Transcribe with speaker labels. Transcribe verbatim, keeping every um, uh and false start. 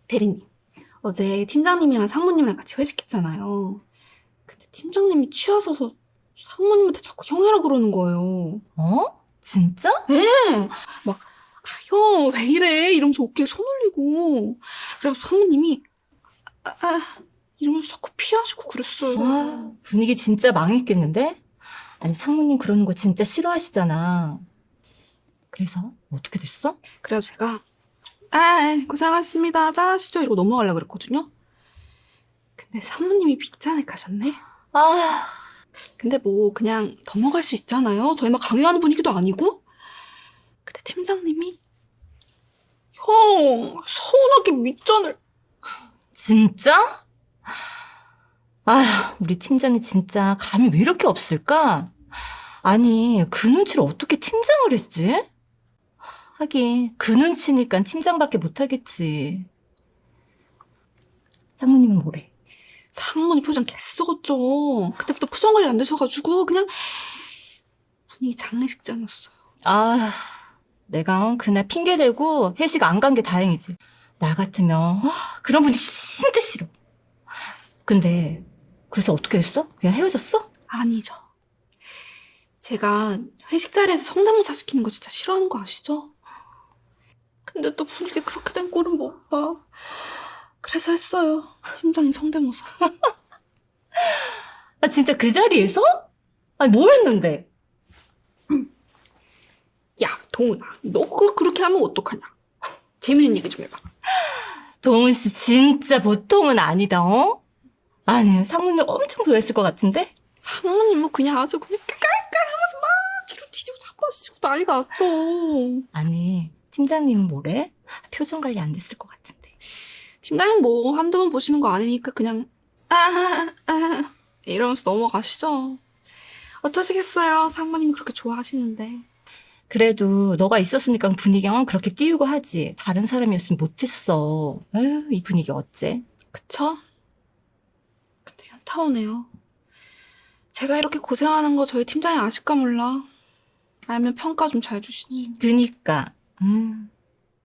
Speaker 1: 대리님, 어제 팀장님이랑 상무님이랑 같이 회식했잖아요. 근데 팀장님이 취하셔서 상무님한테 자꾸 형이라 그러는 거예요.
Speaker 2: 어? 진짜?
Speaker 1: 네! 막, 아, 형, 왜 이래? 이러면서 어깨에 손 올리고. 그래서 상무님이, 아, 아, 이러면서 자꾸 피하시고 그랬어요.
Speaker 2: 아, 분위기 진짜 망했겠는데? 아니, 상무님 그러는 거 진짜 싫어하시잖아. 그래서 어떻게 됐어?
Speaker 1: 그래서 제가, 아, 고생하셨습니다. 짠하시죠? 이러고 넘어가려고 그랬거든요. 근데 상무님이 빗잔을 가셨네?
Speaker 2: 아,
Speaker 1: 근데 뭐 그냥 넘어갈 수 있잖아요. 저희 막 강요하는 분위기도 아니고. 근데 팀장님이 형 서운하게 밑잔을.
Speaker 2: 진짜? 아, 우리 팀장이 진짜 감이 왜 이렇게 없을까? 아니, 그 눈치를 어떻게 팀장을 했지? 하긴, 그 눈치니까 팀장밖에 못하겠지. 상무님은 뭐래?
Speaker 1: 상무님 표정 개썩었죠. 그때부터 표정 관리 안 되셔가지고 그냥 분위기 장례식장이었어요.
Speaker 2: 아, 내가 그날 핑계대고 회식 안 간 게 다행이지. 나 같으면, 아, 그런 분위기 진짜 싫어. 근데, 그래서 어떻게 했어? 그냥 헤어졌어?
Speaker 1: 아니죠. 제가 회식 자리에서 성대모사 시키는 거 진짜 싫어하는 거 아시죠? 근데 또 분위기 그렇게 된 꼴은 못 봐. 그래서 했어요. 팀장님 성대모사.
Speaker 2: 아, 진짜 그 자리에서? 아니, 뭘 했는데?
Speaker 1: 야, 동훈아, 너 그, 그렇게 하면 어떡하냐? 재밌는 얘기 좀 해봐.
Speaker 2: 동훈 씨 진짜 보통은 아니다, 어? 아니, 상무님 엄청 좋아했을 것 같은데?
Speaker 1: 상무님 뭐 그냥 아주 그냥 깔깔하면서 막 뒤로 뒤지고 자빠지고 난리가 났죠.
Speaker 2: 아니, 팀장님은 뭐래? 표정 관리 안 됐을 것 같은데.
Speaker 1: 팀장님 뭐 한두 번 보시는 거 아니니까 그냥 아, 아 이러면서 넘어가시죠. 어쩌시겠어요. 상무님이 그렇게 좋아하시는데.
Speaker 2: 그래도 너가 있었으니까 분위기가 그렇게 띄우고 하지. 다른 사람이었으면 못했어. 에휴, 이 분위기 어째?
Speaker 1: 그쵸? 근데 현타 오네요. 제가 이렇게 고생하는 거 저희 팀장이 아실까 몰라. 알면 평가 좀 잘 주시지.
Speaker 2: 그니까. 음.